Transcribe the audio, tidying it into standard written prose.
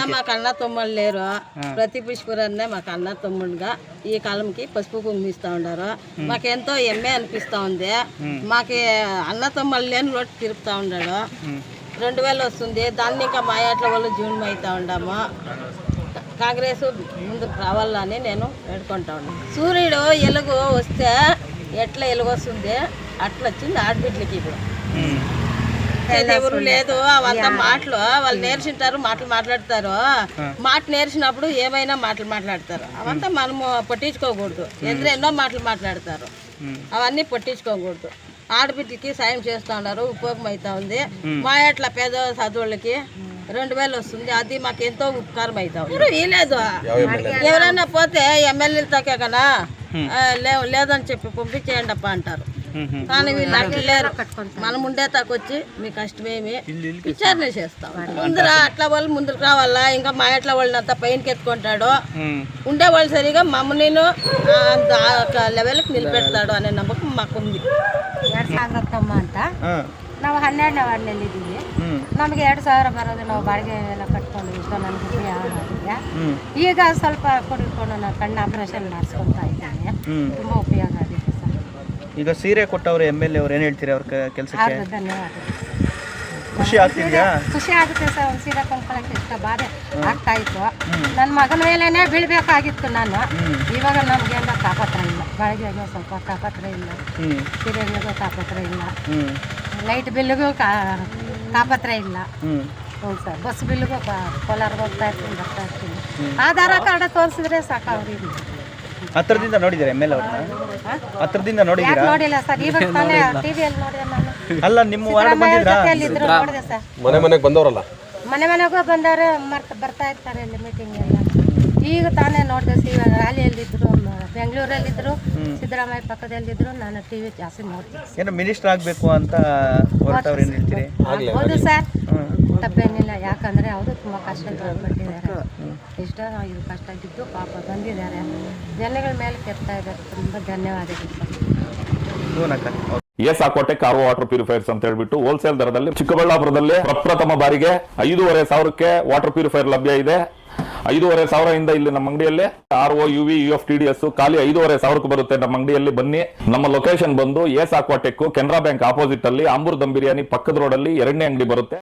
మాకు అన్న తమ్ముళ్ళు లేరు. ప్రతి పుష్పరాన్నే మాకు అన్న తమ్ముడుగా ఈ కాలంకి పసుపు కుంగిస్తూ ఉన్నారు. మాకెంతో ఎమ్మె అనిపిస్తూ ఉంది. మాకు అన్న తమ్ముళ్ళు లేని రోడ్డు తిరుగుతూ ఉన్నాడు. 2000 వస్తుంది. దాన్ని ఇంకా మా ఏట్ల వాళ్ళు జూన్ అవుతూ ఉన్నాము. కాంగ్రెస్ ముందుకు రావాలని నేను వేడుకుంటా ఉన్నాను. సూర్యుడు ఎలుగు వస్తే ఎట్లా ఎలుగు వస్తుంది అట్లా వచ్చింది ఆడబిడ్డలకి. ఇప్పుడు ఎవరు లేదు, అవంతా మాటలు వాళ్ళు నేర్చుంటారు, మాటలు మాట్లాడతారు. మాట నేర్చినప్పుడు ఏమైనా మాటలు మాట్లాడతారు. అవంతా మనము పట్టించుకోకూడదు. ఎన్నో మాటలు మాట్లాడతారు, అవన్నీ పట్టించుకోకూడదు. ఆడబిడ్డలకి సాయం చేస్తూ ఉన్నారు, ఉపయోగం అవుతా ఉంది. మా ఎట్లా పేద చదువులకి 2000 వస్తుంది. అది మాకు ఎంతో ఉపకారం అవుతా ఉంది. వీలేదు ఎవరైనా పోతే ఎమ్మెల్యేలతోకే కదా లేదని చెప్పి పంపించేయండి అప్ప అంటారు. కానీ వీళ్ళు అట్లా లేరు. మనం ఉండే తాకొచ్చి మీ కష్టమేమి విచారణ చేస్తాం. ముందర అట్లా వాళ్ళు ముందుకు రావాలా. ఇంకా మా ఎట్లా వాళ్ళని అంతా పైనకి ఎత్తుకుంటాడు. ఉండేవాళ్ళు సరిగా మమ్మల్ని లెవెల్కి ನಿಲ್పెಡ್ತಾడు అనే నమ్మకం మాకుంది. ಅಂತ ನಾವು 12ನೇ ವಾರ್ಡ್ನಲ್ಲಿ ಇದ್ದೀವಿ. ನಮಗೆ 2000 ಬರೋದು. ನಾವು ಬಾಡಿಗೆ ಎಲ್ಲ ಕಟ್ಕೊಂಡು ಇಷ್ಟು ನನಗೆ ಉಪಯೋಗ ಆಗಿದೆ. ಈಗ ಸ್ವಲ್ಪ ಕೊಡಿಕೊಂಡು ನಾನು ಕಣ್ಣು ಆಪರೇಷನ್ ಮಾಡಿಸ್ಕೊತಾ ಇದ್ದೇನೆ. ತುಂಬ ಉಪಯೋಗ ಆಗಿದೆ ಸರ್. ಈಗ ಸೀರೆ ಕೊಟ್ಟವ್ರು MLA ಅವ್ರು ಏನು ಹೇಳ್ತೀರಿ ಅವ್ರ ಕೆಲಸಕ್ಕೆ? ಧನ್ಯವಾದ. ಖುಷಿ ಆಗ್ತಿದ್ಯಾ? ಖುಷಿ ಆಗುತ್ತೆ ಸರ್. ಒಂದು ಸೀರೆ ಕೊಂಡ್ಕೊಳ್ಳೋಕ್ಕೆ ಇಷ್ಟ ಬಾಧೆ ಆಗ್ತಾ ಇತ್ತು. ನನ್ನ ಮಗನ ಮೇಲೇನೆ ಬೀಳ್ಬೇಕಾಗಿತ್ತು ನಾನು. ಇವಾಗ ನಮಗೇನ ತಾಪತ್ರ ಇಲ್ಲ. ಬಾಡಿಗೆಗೆ ಸ್ವಲ್ಪ ತಾಪತ್ರ ಇಲ್ಲ, ಸೀರೆಗಳಿಗೂ ತಾಪತ್ರ ಇಲ್ಲ, ಲೈಟ್ ಬಿಲ್ಲಿಗೂ ತಾಪತ್ರ ಇಲ್ಲ. ಹ್ಞೂ ಸರ್. ಬಸ್ ಬಿಲ್ಲಿಗೂ ಕೋಲಾರ್ಗೆ ಹೋಗ್ತಾ ಇರ್ತೀನಿ, ಬರ್ತಾ ಇರ್ತೀನಿ. ಆಧಾರ ಕಾರ್ಡ್ ತೋರಿಸಿದ್ರೆ ಸಾಕು ಅವ್ರಿಗೆ. ಹತ್ರದಿಂದ ನೋಡಿದ್ದೀರಾ MLA ಅವ್ರನ್ನ? ಹತ್ರದಿಂದ ನೋಡಿದ್ದೀರಾ? ನೋಡಿಲ್ಲ ಸರ್. ಇವಾಗ ತಾನೇ ಟಿವಿಯಲ್ಲಿ ನೋಡಿದೆ ನಾನು. ಅಲ್ಲ, ನಿಮ್ಮ ವಾರ್ಡ್ ಬಂದಿದ್ರಾ? ಜೊತೆಯಲ್ಲಿದ್ರು ನೋಡಿದೆ ಸರ್. ಮನೆಗೆ ಬಂದವರಲ್ಲ, ಮನೆಗೂ ಬಂದವರು ಬರ್ತಾ ಇರ್ತಾರೆ ಇಲ್ಲಿ ಮೀಟಿಂಗ್ ಎಲ್ಲ. ಈಗ ತಾನೇ ನೋಡಿದೆ. ಇವಾಗ ರ್ಯಾಲಿಯಲ್ಲಿದ್ದರು, ಬೆಂಗಳೂರಲ್ಲಿದ್ದರು, ಸಿದ್ದರಾಮಯ್ಯ ಪಕ್ಕದಲ್ಲಿದ್ದರು. ನಾನು ಟಿವಿ ಜಾಸ್ತಿ ನೋಡ್ತೀನಿ. ಏನೋ ಮಿನಿಸ್ಟರ್ ಆಗಬೇಕು ಅಂತ ಹೊರಟವ್ರು ಏನು ಹೇಳ್ತೀರಿ? ಹೌದು ಸರ್, ತಪ್ಪೇನಿಲ್ಲ. ಯಾಕಂದರೆ ಅವರು ತುಂಬ ಕಷ್ಟ ಪಟ್ಟಿದ್ದಾರೆ. ಇಷ್ಟ ಇದು ಕಷ್ಟ ಇದ್ದು ಪಾಪ ಬಂದಿದ್ದಾರೆ. ಜನಗಳ ಮೇಲೆ ಕೆತ್ತಾ ಇದ್ದಾರೆ. ತುಂಬ ಧನ್ಯವಾದಗಳು ಸರ್. ಏಸಾಕೋಟೆ ಕಾರ್ವ ವಾಟರ್ ಪ್ಯೂರಿಫೈರ್ಸ್ ಅಂತ ಹೇಳ್ಬಿಟ್ಟು ಹೋಲ್ಸೇಲ್ ದರದಲ್ಲಿ ಚಿಕ್ಕಬಳ್ಳಾಪುರದಲ್ಲಿ ಪ್ರಪ್ರಥಮ ಬಾರಿಗೆ 5,500ಕ್ಕೆ ವಾಟರ್ ಪ್ಯೂರಿಫೈರ್ ಲಭ್ಯ ಇದೆ. 5,500 ಇಲ್ಲಿ ನಮ್ಮ ಅಂಗಡಿಯಲ್ಲಿ RO UV UF TDS ಖಾಲಿ 5,500ಕ್ಕೆ ಬರುತ್ತೆ. ನಮ್ಮ ಅಂಗಡಿಯಲ್ಲಿ ಬನ್ನಿ. ನಮ್ಮ ಲೊಕೇಶನ್ ಬಂದು ಏಸಾಕೋಟೆಕ್ ಕೆನರಾ ಬ್ಯಾಂಕ್ ಆಪೋಸಿಟ್ ಅಲ್ಲಿ ಆಂಬೂರ್ ದಮ್ ಬಿರಿಯಾನಿ ಪಕ್ಕದ ರೋಡ್ ಅಲ್ಲಿ 2ನೇ ಅಂಗಡಿ ಬರುತ್ತೆ.